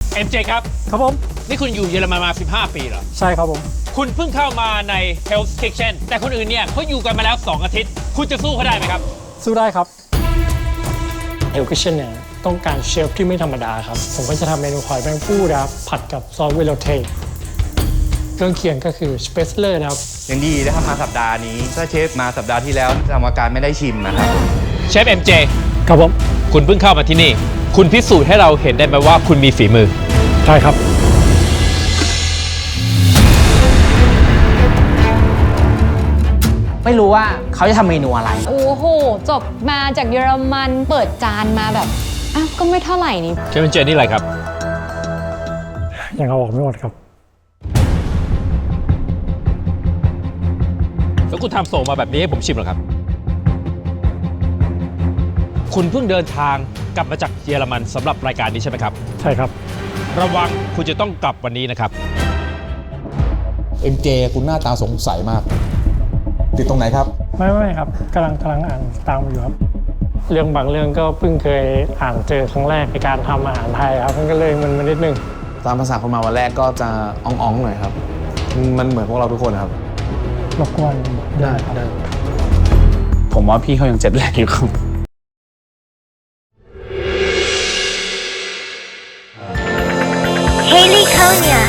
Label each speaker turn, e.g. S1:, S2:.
S1: MJ ครับ
S2: ครับผม
S1: นี่คุณอยู่เยอรมันมา15 ปีเหรอ
S2: ใช่ครับผม
S1: คุณเพิ่งเข้ามาใน Health Kitchen แต่คนอื่นเนี่ยเขาอยู่กันมาแล้ว2 อาทิตย์คุณจะสู้เขาได้ไหมครับ
S2: สู้ได้ครับเฮลคิเชนเนี่ยต้องการเชฟที่ไม่ธรรมดาครับผมก็จะทำเมนูหอยแมงผู้นะครับผัดกับซอสเวโรเทเครื่องเคียงก็คือสเปซเลอร์นะครับ
S3: ยังดีนะครับมาสัปดาห์นี้ถ้าเชฟมาสัปดาห์ที่แล้วกรรมการไม่ได้ชิมนะครับ
S1: เชฟ MJ
S2: ครับผม
S1: คุณเพิ่งเข้ามาที่นี่คุณพิสูจน์ให้เราเห็นได้ไหมว่าคุณมีฝีมือ
S2: ใช่ครับ
S4: ไม่รู้ว่าเขาจะทำเมนูอะไร
S5: โอ้โหจบมาจากเยอรมันเปิดจานมาแบบอ้าวก็ไม่เท่าไหร่นี่
S1: เชฟ MJ นี่อะไรครับ
S2: ยังเอาออกไม่หมดครับ
S1: แล้วคุณทำส่งมาแบบนี้ให้ผมชิมเหรอครับคุณเพิ่งเดินทางกลับมาจากเยอรมันสำหรับรายการนี้ใช่ไหมครับ
S2: ใช่ครับ
S1: ระวังคุณจะต้องกลับวันนี้นะครับ
S6: MJ คุณหน้าตาสงสัยมากติดตรงไหนครับ
S2: ไม่ครับกำลังอ่านตามอยู่ครับเรื่องบางเรื่องก็เพิ่งเคยอ่านเจอครั้งแรกในการทำอาหารไทยครับมันก็เลยมันนิดนึง
S6: ตามภาษาคนมาวันแรกก็จะอ่องๆหน่อยครับมันเหมือนพวกเราทุกคนครับ
S2: รบกวน
S6: ได้ครับ
S7: ผมว่าพี่เขายังเจ็ดแรกอยู่ครับ
S8: Haley Konya